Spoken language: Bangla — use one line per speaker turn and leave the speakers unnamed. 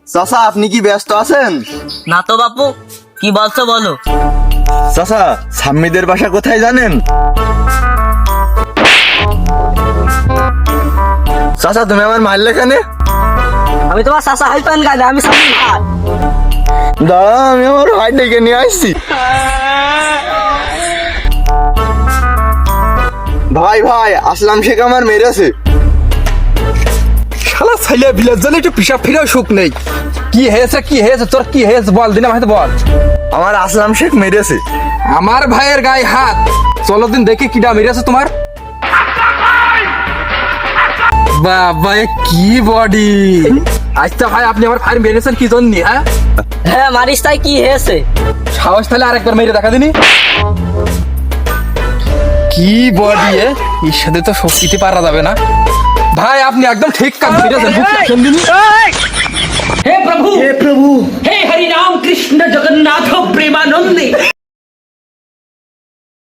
চাচা আপনি কি ব্যস্ত আছেন?
না তো বাপু, কি বলছো বলো।
চাচা সাম্মিদের বাসা কোথায় জানেন? চাচা তুমি আমার মারলে কেন?
আমি তোমার চাচা হাই পান গাইলে, আমি সামনে ভাই।
দাঁড়া আমি আমার ভাই ডেকে নিয়ে আসছি। ভাই ভাই আসলাম শেখ আমার মেরেছে।
শালা ছাইলে ভিলেজ জলে একটু পিসাব ফিরেও সুখ নেই। কি হয়েছে তোর কি হয়েছে বল, দিনে ভাই বল।
আমার আসলাম শেখ মেরেছে।
আমার ভাইয়ের গায়ে হাত, চলো দিন দেখি কিডা মেরেছে তোমার। বাবা এ কি বডি! আচ্ছা ভাই আপনি আমার ভাই মেরেছেন কি জন্য? হ্যাঁ
হ্যাঁ মারিস, তাই কি হয়েছে?
সাহস তাহলে আরেকবার মেরে দেখা দিনি। কি বডি এর সাথে তো শক্তিতে পারা যাবে না। ভাই আপনি একদম ঠিক কাজ করেছেন।
हे प्रभु हे हरि राम कृष्ण जगन्नाथ प्रेमानंदे।